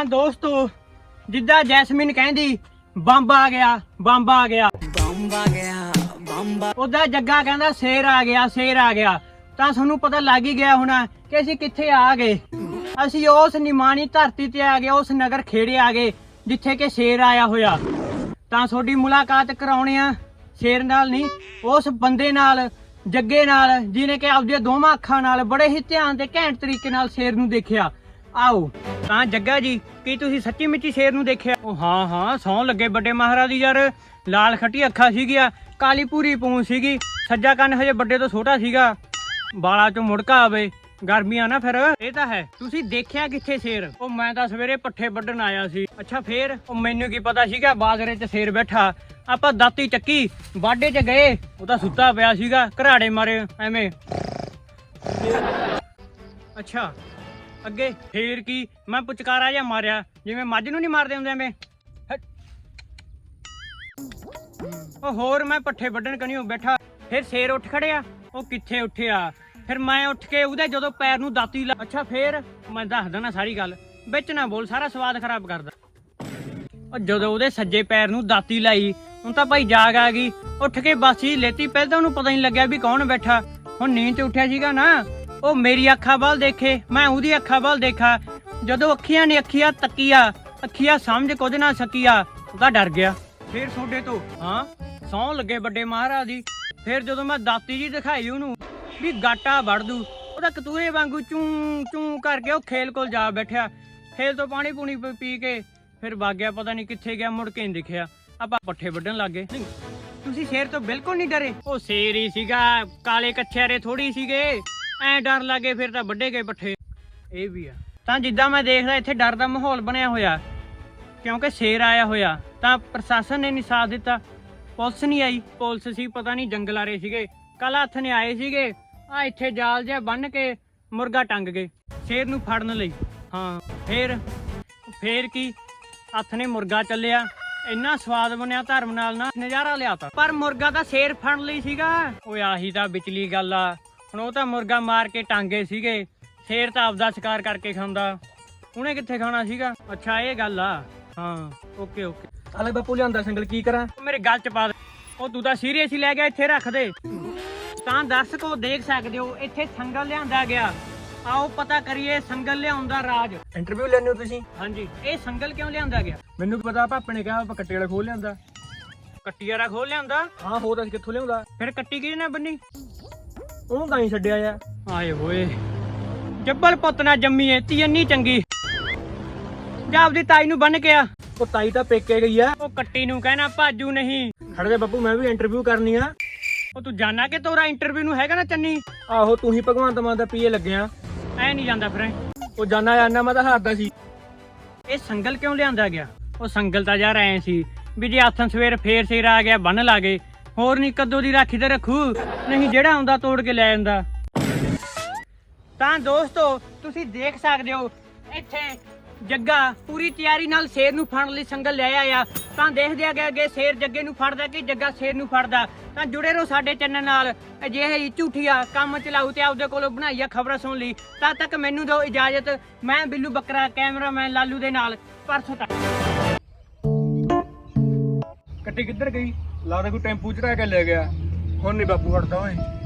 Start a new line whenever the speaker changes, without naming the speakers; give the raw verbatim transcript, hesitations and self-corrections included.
ਤਾਂ ਦੋਸਤੋ ਜਿੱਦਾਂ ਜੈਸਮੀਨ ਕਹਿੰਦੀ ਬੰਬ ਆ ਗਿਆ ਬੰਬ ਆ ਗਿਆ ਬੰਬ ਆ ਗਿਆ ਬੰਬ ਉਹਦਾ ਜੱਗਾ ਕਹਿੰਦਾ ਸ਼ੇਰ ਆ ਗਿਆ ਸ਼ੇਰ ਆ ਗਿਆ। ਤਾਂ ਤੁਹਾਨੂੰ ਪਤਾ ਲੱਗ ਹੀ ਗਿਆ ਹੋਣਾ ਕਿ ਅਸੀਂ ਕਿੱਥੇ ਆ ਗਏ। ਅਸੀਂ ਉਸ ਨਿਮਾਣੀ ਧਰਤੀ ਤੇ ਆ ਗਏ, ਉਸ ਨਗਰ ਖੇੜੇ ਆ ਗਏ ਜਿੱਥੇ ਕਿ ਸ਼ੇਰ ਆਇਆ ਹੋਇਆ। ਤਾਂ ਤੁਹਾਡੀ ਮੁਲਾਕਾਤ ਕਰਾਉਣੇ ਆ ਸ਼ੇਰ ਨਾਲ ਨਹੀਂ, ਉਸ ਬੰਦੇ ਨਾਲ, ਜੱਗੇ ਨਾਲ, ਜਿਹਨੇ ਕਿ ਆਪਦੀਆਂ ਦੋਵਾਂ ਅੱਖਾਂ ਨਾਲ ਬੜੇ ਹੀ ਧਿਆਨ ਤੇ ਘੈਂਟ ਤਰੀਕੇ ਨਾਲ ਸ਼ੇਰ ਨੂੰ ਦੇਖਿਆ। ਆਓ। ਤਾਂ ਜੱਗਾ ਜੀ, ਕੀ ਤੁਸੀਂ ਸੱਚੀ ਮੁੱਚੀ ਸ਼ੇਰ ਨੂੰ ਦੇਖਿਆ? ਉਹ ਹਾਂ ਹਾਂ, ਸੌਂ ਲੱਗੇ ਵੱਡੇ ਮਹਾਰਾਜ ਦੀ ਯਾਰ। ਲਾਲ ਖੱਟੀ ਅੱਖਾਂ ਸੀਗੀਆਂ, ਕਾਲੀ ਪੂਰੀ ਪੂੰਛ ਸੀਗੀ, ਸੱਜਾ ਕੰਨ ਹਜੇ ਵੱਡੇ ਤੋਂ ਛੋਟਾ ਸੀਗਾ, ਬਾਲਾਂ ਚੋਂ ਮੁੜਕਾ ਆਵੇ, ਗਰਮੀਆਂ ਨਾ ਫਿਰ। ਇਹ ਤਾਂ ਹੈ। ਤੁਸੀਂ ਦੇਖਿਆ ਕਿੱਥੇ ਸ਼ੇਰ? ਉਹ ਮੈਂ ਤਾਂ ਸਵੇਰੇ ਪੱਠੇ ਵੱਢਣ ਆਇਆ ਸੀ। ਅੱਛਾ ਫੇਰ? ਉਹ ਮੈਨੂੰ ਕੀ ਪਤਾ ਸੀਗਾ ਬਾਜ਼ਰੇ 'ਚ ਸ਼ੇਰ ਬੈਠਾ। ਆਪਾਂ ਦਾਤੀ ਚੱਕੀ, ਬਾਡੇ 'ਚ ਗਏ, ਉਹ ਤਾਂ ਸੁੱਤਾ ਪਿਆ ਸੀਗਾ, ਘਰਾੜੇ ਮਾਰੇ ਐਵੇਂ। ਅੱਛਾ ਅੱਗੇ ਫੇਰ ਕੀ? ਮੈਂ ਪੁਚਕਾਰਾ ਜਿਹਾ ਮਾਰਿਆ, ਜਿਵੇਂ ਮੱਝ ਨੂੰ ਨਹੀਂ ਮਾਰਦੇ ਹੁੰਦੇ ਐਵੇਂ। ਉਹ ਹੋਰ ਮੈਂ ਪੱਠੇ ਵੱਢਣ ਕਣੀਓ ਬੈਠਾ, ਫਿਰ ਸ਼ੇਰ ਉੱਠ ਖੜਿਆ। ਉਹ ਕਿੱਥੇ ਉੱਠਿਆ? ਫਿਰ ਮੈਂ ਉੱਠ ਕੇ ਉਹਦੇ ਜਦੋਂ ਪੈਰ ਨੂੰ ਦਾਤੀ ਲਾ। ਅੱਛਾ ਫੇਰ? ਮੈਂ ਦੱਸਦਾ ਨਾ ਸਾਰੀ ਗੱਲ, ਵਿੱਚ ਨਾ ਬੋਲ, ਸਾਰਾ ਸਵਾਦ ਖਰਾਬ ਕਰਦਾ। ਉਹ ਜਦੋਂ ਉਹਦੇ ਸੱਜੇ ਪੈਰ ਨੂੰ ਦਾਤੀ ਲਾਈ, ਹੁਣ ਤਾਂ ਭਾਈ ਜਾਗ ਆ ਗਈ। ਉੱਠ ਕੇ ਬਾਸੀ ਲੈਤੀ, ਪਹਿਲਾਂ ਤਾਂ ਉਹਨੂੰ ਪਤਾ ਨਹੀਂ ਲੱਗਿਆ ਵੀ ਕੌਣ ਬੈਠਾ। ਹੁਣ ਨੀਂਦ 'ਚ ਉੱਠਿਆ ਸੀਗਾ ਨਾ, ਉਹ ਮੇਰੀ ਅੱਖਾਂ ਵੱਲ ਦੇਖੇ, ਮੈਂ ਉਹਦੀ ਅੱਖਾਂ ਵੱਲ ਦੇਖਾ। ਜਦੋਂ ਅੱਖੀਆਂ ਨੇ ਅੱਖੀਆਂ ਤੱਕੀਆਂ, ਅੱਖੀਆਂ ਸਮਝ ਕੁਝ ਨਾ ਸਕੀਆ, ਉਹਦਾ ਡਰ ਗਿਆ। ਫੇਰ ਤੁਹਾਡੇ ਤੋਂ ਹਾਂ ਸੌਂ ਲੱਗੇ ਵੱਡੇ ਮਹਾਰਾਜ ਦੀ। ਫਿਰ ਜਦੋਂ ਮੈਂ ਦਾਤੀ ਜੀ ਦਿਖਾਈ ਉਹਨੂੰ ਵੀ ਗਾਟਾ ਵੜ ਦੂ, ਉਹਦਾ ਕਤੂਰੇ ਵਾਂਗੂ ਚੂੰ ਚੂੰ ਕਰਕੇ ਉਹ ਖੇਲ ਕੋਲ ਜਾ ਬੈਠਿਆ। ਖੇਲ ਤੋਂ ਪਾਣੀ ਪੂਣੀ ਪੀ ਕੇ ਫਿਰ ਵਗ ਗਿਆ, ਪਤਾ ਨਹੀਂ ਕਿੱਥੇ ਗਿਆ, ਮੁੜ ਕੇ ਨਹੀਂ ਦਿਖਿਆ। ਆਪਾਂ ਪੱਠੇ ਵੱਢਣ ਲੱਗ ਗਏ। ਤੁਸੀਂ ਸ਼ੇਰ ਤੋਂ ਬਿਲਕੁਲ ਨਹੀਂ ਡਰੇ? ਉਹ ਸ਼ੇਰ ਹੀ ਸੀਗਾ, ਕਾਲੇ ਕੱਛੇਰੇ ਥੋੜੀ ਸੀਗੇ, ਐ ਡਰ ਲੱਗੇ ਫਿਰ ਤਾਂ ਵੱਢੇ ਗਏ ਪੱਠੇ। ਇਹ ਵੀ ਆ। ਤਾਂ ਜਿੱਦਾਂ ਮੈਂ ਦੇਖਦਾ ਇੱਥੇ ਡਰ ਦਾ ਮਾਹੌਲ ਬਣਿਆ ਹੋਇਆ, ਕਿਉਂਕਿ ਸ਼ੇਰ ਆਇਆ ਹੋਇਆ। ਤਾਂ ਪ੍ਰਸ਼ਾਸਨ ਨੇ ਨਹੀਂ ਸਾਥ ਦਿੱਤਾ, ਪੁਲਿਸ ਨਹੀਂ ਆਈ। ਪੁਲਿਸ ਸੀ ਪਤਾ ਨਹੀਂ ਜੰਗਲ ਆ ਰਹੇ ਸੀਗੇ, ਕੱਲ ਹੱਥ ਨੇ ਆਏ ਸੀਗੇ, ਆ ਇੱਥੇ ਜਾਲ ਜਿਹਾ ਬੰਨ ਕੇ ਮੁਰਗਾ ਟੰਗ ਗਏ ਸ਼ੇਰ ਨੂੰ ਫੜਨ ਲਈ। ਹਾਂ ਫੇਰ ਫੇਰ ਕੀ? ਹੱਥ ਨੇ ਮੁਰਗਾ ਚੱਲਿਆ, ਇੰਨਾ ਸਵਾਦ ਬਣਿਆ, ਧਰਮ ਨਾਲ ਨਾ ਨਜ਼ਾਰਾ ਲਿਆਤਾ। ਪਰ ਮੁਰਗਾ ਤਾਂ ਸ਼ੇਰ ਫੜਨ ਲਈ ਸੀਗਾ। ਓਏ ਆਹੀ ਤਾਂ ਵਿਚਲੀ ਗੱਲ ਆ। ਹੁਣ ਉਹ ਤਾਂ ਮੁਰਗਾ ਮਾਰ ਕੇ ਟਾਂਗੇ ਸੀਗੇ, ਸ਼ੇਰ ਤਾਂ ਆਪਦਾ ਸ਼ਿਕਾਰ ਕਰਕੇ ਖਾਂਦਾ, ਉਹਨੇ ਕਿੱਥੇ ਖਾਣਾ ਸੀਗਾ। ਅੱਛਾ ਇਹ ਗੱਲ ਆ। ਹਾਂ ਓਕੇ ਓਕੇ।
ਅਲੇ ਬਾਪੂ ਲਿਆਂਦਾ ਸਿੰਗਲ, ਕੀ ਕਰਾਂ?
ਮੇਰੇ ਗੱਲ ਚ ਪਾ ਦੇ। ਉਹ ਤੂੰ ਤਾਂ ਸੀਰੀਅਸ ਹੀ ਲੈ ਗਿਆ, ਇੱਥੇ ਰੱਖ ਦੇ। ਤਾਂ ਦਰਸ਼ਕੋ ਦੇਖ ਸਕਦੇ ਹੋ ਇੱਥੇ ਸੰਗਲ ਲਿਆਂਦਾ ਗਿਆ। ਆਓ ਪਤਾ ਕਰੀਏ ਸੰਗਲ ਲਿਆਉਣ ਦਾ ਰਾਜ।
ਇੰਟਰਵਿਊ ਲੈਣੇ ਹੋ ਤੁਸੀਂ?
ਹਾਂਜੀ। ਇਹ ਸੰਗਲ ਕਿਉਂ ਲਿਆਂਦਾ ਗਿਆ?
ਮੈਨੂੰ ਕੀ ਪਤਾ, ਪਾਪੇ ਨੇ ਕਿਹਾ ਆਪਾਂ ਕੱਟੇ ਵਾਲਾ ਖੋਲ ਲਿਆਂਦਾ।
ਕੱਟੀ ਵਾਲਾ ਖੋਲ ਲਿਆਂਦਾ?
ਹਾਂ ਹੋਰ ਅਸੀਂ ਕਿੱਥੋਂ ਲਿਆਉਂਦਾ?
ਫਿਰ ਕੱਟੀ ਕਿਹਨੇ ਨਾ ਬੰਨੀ?
ਉਹਨੂੰ ਤਾਂ ਹੀ ਛੱਡਿਆ ਆ।
ਆਏ ਹੋਏ, ਜੱਬਲ ਪੁੱਤ ਨਾ ਜੰਮੀ ਏ ਤੀ ਇੰਨੀ ਚੰਗੀ, ਜਾਂ ਆਪਦੀ ਤਾਈ ਨੂੰ ਬੰਨ ਕੇ ਆ।
ਉਹ ਤਾਈ ਤਾਂ ਪੇਕੇ ਗਈ ਆ।
ਉਹ ਕੱਟੀ ਨੂੰ ਕਹਿਣਾ ਭਾਜੂ ਨਹੀਂ।
ਖੜ ਜਾ ਬਾਪੂ, ਮੈਂ ਵੀ ਇੰਟਰਵਿਊ ਕਰਨੀ ਆ।
ਉਹ ਤੂੰ ਜਾਣਾ ਕਿ ਤੋਰਾ ਇੰਟਰਵਿਊ ਨੂੰ ਹੈਗਾ ਨਾ ਚੰਨੀ?
ਆਹੋ ਤੂੰ ਹੀ ਭਗਵੰਤ ਮਾਨ ਦਾ ਪੀਏ ਲੱਗਿਆ।
ਐ ਨਹੀਂ ਜਾਂਦਾ ਫਿਰ।
ਉਹ ਜਾਨਾ ਜਾਨਾ ਮੈਂ ਤਾਂ ਹਾਰਦਾ ਸੀ।
ਇਹ ਸੰਗਲ ਕਿਉਂ ਲਿਆਂਦਾ ਗਿਆ? ਉਹ ਸੰਗਲ ਤਾਂ ਯਾਰ ਐ ਸੀ ਵੀ ਜੇ ਆਥਣ ਸਵੇਰ ਫੇਰ ਸਿਰ ਆ ਗਿਆ ਬੰਨ ਲਾ ਗਏ, ਹੋਰ ਨਹੀਂ ਕਦੋਂ ਦੀ ਰਾਖੀ ਤੇ ਰੱਖੂ, ਨਹੀਂ ਜਿਹੜਾ ਆਉਂਦਾ ਤੋੜ ਕੇ ਲੈ ਜਾਂਦਾ। ਤਾਂ ਦੋਸਤੋ ਤੁਸੀਂ ਦੇਖ ਸਕਦੇ ਹੋ ਇੱਥੇ ਜੱਗਾ ਪੂਰੀ ਤਿਆਰੀ ਨਾਲ ਸ਼ੇਰ ਨੂੰ ਫੜਨ ਲਈ ਸੰਗਲ ਲਿਆਇਆ ਆ। ਤਾਂ ਦੇਖਦੇ ਆ ਅੱਗੇ ਸ਼ੇਰ ਜੱਗੇ ਨੂੰ ਫੜਦਾ ਕਿ ਜੱਗਾ ਸ਼ੇਰ ਨੂੰ ਫੜਦਾ। ਤਾਂ ਜੁੜੇ ਰਹੋ ਸਾਡੇ ਚੈਨਲ ਨਾਲ। ਅਜਿਹੇ ਝੂਠੀਆ ਕੰਮ ਚਲਾਊ ਤੇ ਆਪਦੇ ਕੋਲੋਂ ਬਣਾਈਆ ਖਬਰਾਂ ਸੁਣ ਲਈ। ਤਦ ਤੱਕ ਮੈਨੂੰ ਦਿਓ ਇਜਾਜ਼ਤ। ਮੈਂ ਬਿੱਲੂ ਬੱਕਰਾ, ਕੈਮਰਾਮੈਨ ਲਾਲੂ ਦੇ ਨਾਲ ਪਰਸੋਂ ਤੱਕ।
ਕੱਟੀ ਕਿੱਧਰ ਗਈ? ਲੱਗਦਾ ਕੋਈ ਟੈਂਪੂ ਚੜਾ ਕੇ ਲੈ ਗਿਆ। ਹੁਣ ਨਹੀਂ ਬਾਪੂ ਹਟਦਾ ਓਏ।